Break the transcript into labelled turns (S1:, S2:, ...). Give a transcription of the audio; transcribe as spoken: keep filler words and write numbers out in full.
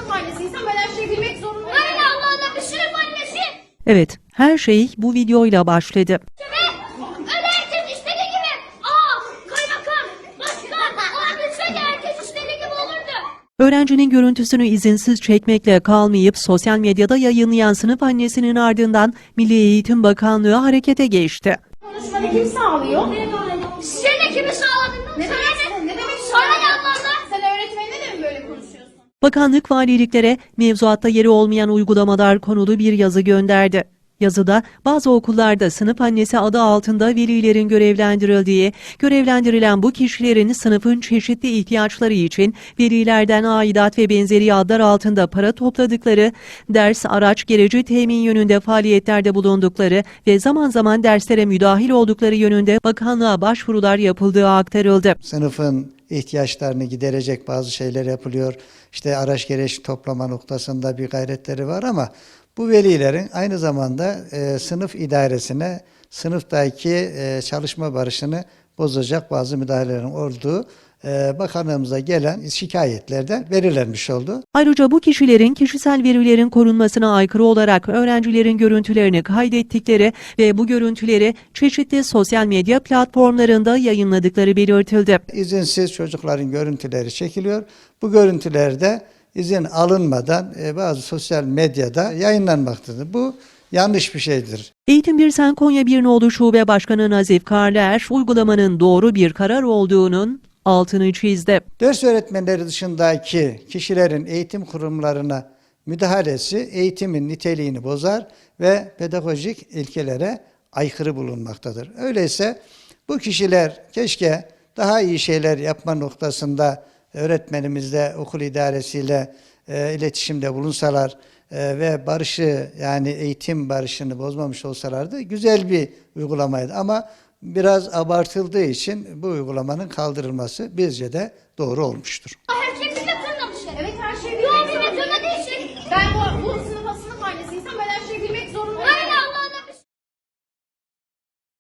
S1: sınıf annesiysen ben her şeyi bilmek zorundayım. Öyle Allah Allah bir sınıf annesi.
S2: Evet, her şey bu videoyla başladı.
S1: Öyle herkes istediği gibi. Aa kaymakam, başkan, olabilseydi herkes istediği gibi olurdu.
S2: Öğrencinin görüntüsünü izinsiz çekmekle kalmayıp sosyal medyada yayınlayan sınıf annesinin ardından Milli Eğitim Bakanlığı harekete geçti.
S1: Konuşmanı kim sağlıyor? Seni kimi sağladın? Ne demek? Ne demek? Sana ne Allah Allah? Sen öğretmenine de mi böyle konuşuyorsun?
S2: Bakanlık valiliklere mevzuatta yeri olmayan uygulamalar konulu bir yazı gönderdi. Yazıda bazı okullarda sınıf annesi adı altında velilerin görevlendirildiği, görevlendirilen bu kişilerin sınıfın çeşitli ihtiyaçları için velilerden aidat ve benzeri adlar altında para topladıkları, ders, araç, gereci temin yönünde faaliyetlerde bulundukları ve zaman zaman derslere müdahil oldukları yönünde bakanlığa başvurular yapıldığı aktarıldı.
S3: Sınıfın ihtiyaçlarını giderecek bazı şeyler yapılıyor. İşte araç gereç toplama noktasında bir gayretleri var ama bu velilerin aynı zamanda e, sınıf idaresine, sınıftaki e, çalışma barışını bozacak bazı müdahalelerin olduğu e, bakanlığımıza gelen şikayetlerden belirlenmiş oldu.
S2: Ayrıca bu kişilerin kişisel verilerin korunmasına aykırı olarak öğrencilerin görüntülerini kaydettikleri ve bu görüntüleri çeşitli sosyal medya platformlarında yayınladıkları belirtildi.
S3: İzinsiz çocukların görüntüleri çekiliyor. Bu görüntülerde izin alınmadan e, bazı sosyal medyada yayınlanmaktadır. Bu yanlış bir şeydir.
S2: Eğitim Birsen Konya bir Nolu Şube Başkanı Nazif Karlıer, uygulamanın doğru bir karar olduğunun altını çizdi.
S3: Ders öğretmenleri dışındaki kişilerin eğitim kurumlarına müdahalesi eğitimin niteliğini bozar ve pedagojik ilkelere aykırı bulunmaktadır. Öyleyse bu kişiler keşke daha iyi şeyler yapma noktasında öğretmenimizle, okul idaresiyle e, iletişimde bulunsalar e, ve barışı, yani eğitim barışını bozmamış olsalardı güzel bir uygulamaydı. Ama biraz abartıldığı için bu uygulamanın kaldırılması bizce de doğru olmuştur.
S1: Her şeyi bize tırnamışlar. Evet her şeyi bilmek zorundayım. Ben bu, bu sınıfa sınıf annesiysem ben her şeyi bilmek